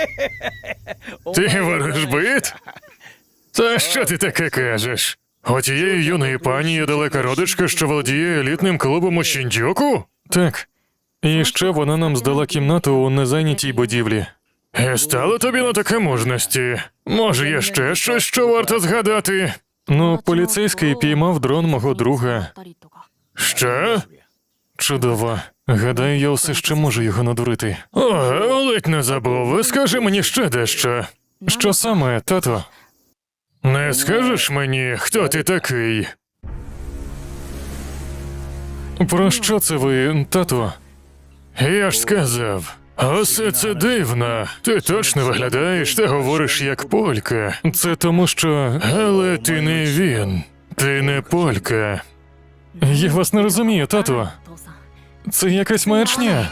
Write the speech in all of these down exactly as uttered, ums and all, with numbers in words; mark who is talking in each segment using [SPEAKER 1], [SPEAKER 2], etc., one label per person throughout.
[SPEAKER 1] Ти ворожбит? Та що ти таке кажеш? У тієї юної пані є далека родичка, що володіє елітним клубом у Шіндзюку? Так. І ще вона нам здала кімнату у незайнятій будівлі. І стало тобі на таке мужності? Може, є ще щось, що варто згадати? Ну, поліцейський піймав дрон мого друга. Що? Чудово. Гадаю, я все ще можу його надурити. Ого, ледь не забув. Скажи мені ще дещо. Що саме, тато? Не скажеш мені, хто ти такий? Про що це ви, тато? Я ж сказав. Усе це дивно. Ти точно виглядаєш та говориш як полька. Це тому, що... Але ти не він. Ти не полька. Я вас не розумію, тату. Це якась маячня.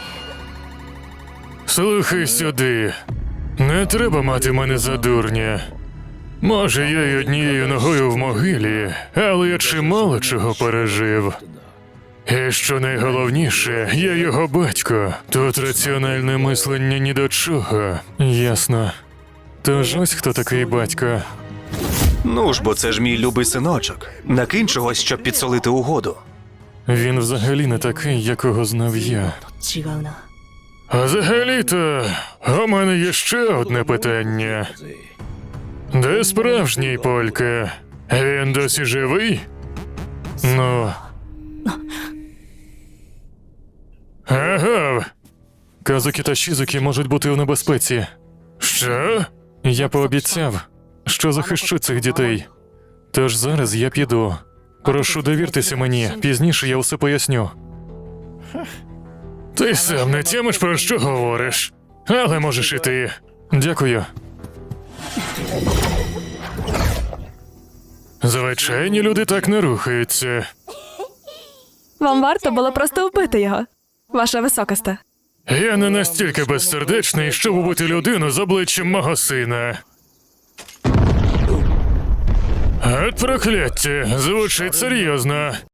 [SPEAKER 1] Слухай сюди. Не треба мати мене за дурня. Може, я й однією ногою в могилі, але я чимало чого пережив. І що найголовніше, я його батько. Тут раціональне мислення ні до чого. Ясно. Тож ось хто такий батько.
[SPEAKER 2] Ну ж, бо це ж мій любий синочок. Накинь чогось, щоб підсолити угоду.
[SPEAKER 1] Він взагалі не такий, якого знав я.
[SPEAKER 3] 違うな。
[SPEAKER 1] А взагалі-то, у мене є ще одне питання. Де справжній полька? Він досі живий? Ну... Агав! Казукі та Шізукі можуть бути в небезпеці. Що? Я пообіцяв, що захищу цих дітей. Тож зараз я піду. Прошу, довіртеся мені, пізніше я все поясню. Ти сам не тямиш, про що говориш. Але можеш іти. Дякую. Звичайні люди так не рухаються.
[SPEAKER 4] Вам варто було просто вбити його, ваша високосте.
[SPEAKER 1] Я не настільки безсердечний, щоб убити людину з обличчям мого сина. От прокляття, звучить серйозно.